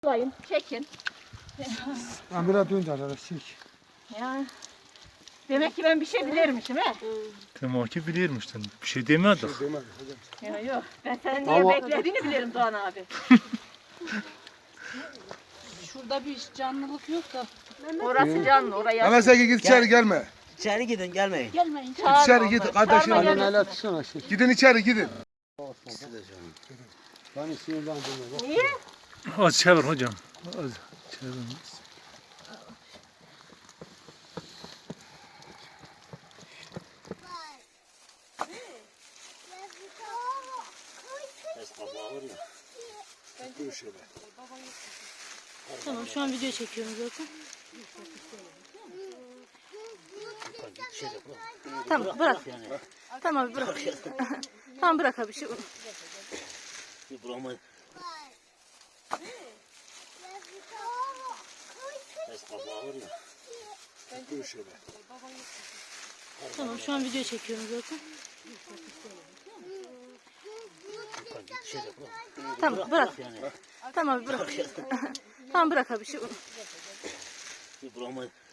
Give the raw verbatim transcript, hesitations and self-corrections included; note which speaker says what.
Speaker 1: toplayın, çekin.
Speaker 2: Ha biraz dön de arkadaş çek.
Speaker 1: Ya. Demek ki ben bir şey bilirmişim he.
Speaker 3: Demek ki bilirmiştin. Bir şey demedik.
Speaker 2: Şey demedi hocam.
Speaker 1: Yok yok. Ben senin niye
Speaker 2: Ama-
Speaker 1: beklediğini bilirim Doğan abi.
Speaker 4: Şurada bir canlılık yok da.
Speaker 1: Orası canlı, oraya.
Speaker 2: Ama sen git içeri gelme.
Speaker 5: İçeri gidin gelmeyin.
Speaker 4: Gelmeyin.
Speaker 1: Çağırma
Speaker 2: İçeri git
Speaker 1: onları,
Speaker 2: kardeşim.
Speaker 1: çağırma
Speaker 2: Anne
Speaker 1: gelmesin.
Speaker 2: el atsana şey. Gidin içeri gidin.
Speaker 5: İkisi de canım.
Speaker 2: Ben sinirden dönüyorum.
Speaker 1: Niye?
Speaker 3: Az çevir hocam. Az çevir.
Speaker 2: Dur şöyle.
Speaker 4: Tamam şu an video çekiyorum zaten. Tamam bırak. Tamam bırak. Tamam bırak abi şey.
Speaker 5: Bir buramı. Ses kapağı var ya.
Speaker 2: Dur şöyle.
Speaker 4: Tamam şu an video çekiyorum zaten. Tamam bırak. Tamam bırak. Tamam bırak abi şey.
Speaker 5: Bir buramı.